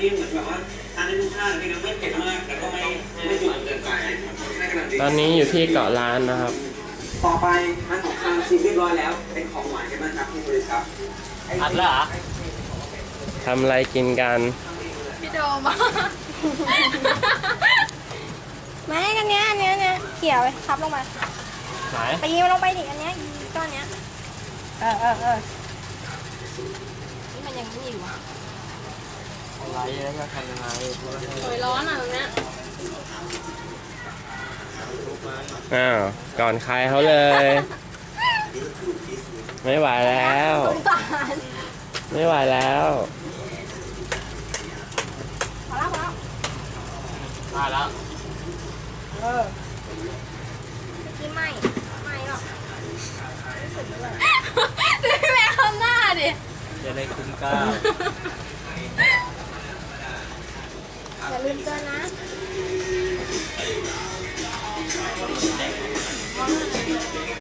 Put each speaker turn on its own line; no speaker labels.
นี้เหมือนแบบว่าทานได้ทุกชาติเลยนะไม่เผ็ดมากแต่ก็ไม่จุดเกินไปให้กำลังดี
ตอนนี้อยู่ที่เกาะล้านนะครับ
ต่อไปทานของคาวชิมเรียบร้อยแล้วเป็นของหวานกันบ้างครับพี่บริษัท
อัดแล้วเหรอ
ทำอะไรกินกัน
พี่โดมไม่กันเนี้ยเขี่ยไปทับลงมา
ไหน
ตีมันลงไปดิอันเนี้ยอีก้อนเนี้ยนี่มันยังไม่อยู่อ่ะ
อะไรแล้วจะทำยังไง
โอยร้อนอ่ะตรงเนี้ย
อ้าวก่อนใครเขาเลย ไม่ไหวแล้ว
สงสาร
ไม่ไหวแล้ว
พอแล้ว
มาแล้ว
เมื่อกี้ไม่หรอกดูพี่แม่ข้างหน้าดิ
จะได้คุ้มกล้า
อย่าลืมเตือนนะ